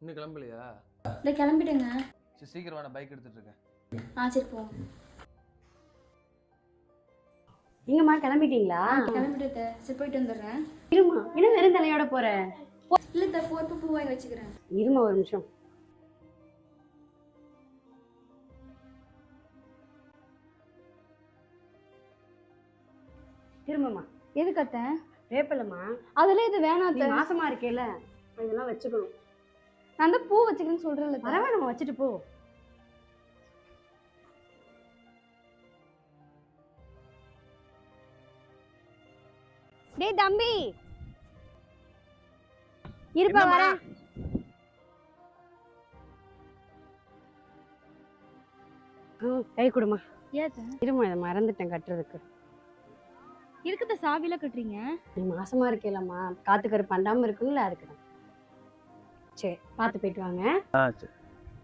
இன்னும் கிளம்பலையா? இல்லை கிளம்பிட்டேங்க. சரி சீக்கிரம் நான் பைக் எடுத்துட்டு இருக்கேன். சரி போ. எங்கம்மா கிளம்பிட்டீங்களா? கிளம்பிட்டு சரி போயிட்டு வந்துடுறேன். இருமா, இன்னும் வெறும் தலையோட போற? இல்லை போட்டு பூ வாங்கி வச்சுக்கிறேன். இருமா ஒரு நிமிஷம். திரும்பமா. எதுக்கு அத்தை? வேப்பலம்மா. அதெல்லாம் இது வேணாம் நீ மாசமா இருக்கேல, இதெல்லாம் வச்சுக்கணும். நான் தான் பூ வச்சுக்கிறேன்னு சொல்றேன்ல. பரவாயில்ல, நம்ம வச்சுட்டு போ. டேய் தம்பி, இருப்பா வரேன். கை கொடுமா. ஏத்த இருமா, இதை மறந்துட்டேன் கட்டுறதுக்கு. இருக்குத சாவில கட்டுறீங்க? நீ மாசமா இருக்கேலம்மா, காத்துக்கரு பண்ணாம இருக்குல்ல, அதுக்கு தான். சரி, பார்த்து போயிட்டு வாங்க. சரி.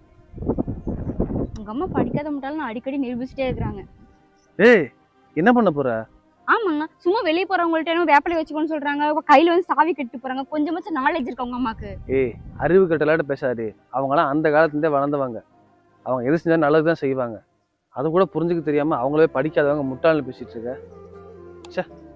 உங்க அம்மா படிக்காத முட்டாலும் அடிக்கடி நிரூபிச்சுட்டே இருக்கிறாங்க. ஏய் என்ன பண்ண போற? ஆமாங்க, சும்மா வெளியே போறவங்கள்ட்ட வேப்பலை வச்சுக்கோன்னு சொல்றாங்க, கையில வந்து சாவி கட்டு போறாங்க. கொஞ்சமாச்சும் நாலேஜ் இருக்கு உங்க அம்மாக்கு? ஏய் அறிவு கட்டலாட்ட பேசாது. அவங்களாம் அந்த காலத்துலேருந்தே வளர்ந்தவங்க. அவங்க எது செஞ்சாலும் நல்லது தான் செய்வாங்க. அது கூட புரிஞ்சுக்க தெரியாம அவங்களே படிக்காதவங்க முட்டாள்னு பேசிட்டு இருக்க. சே.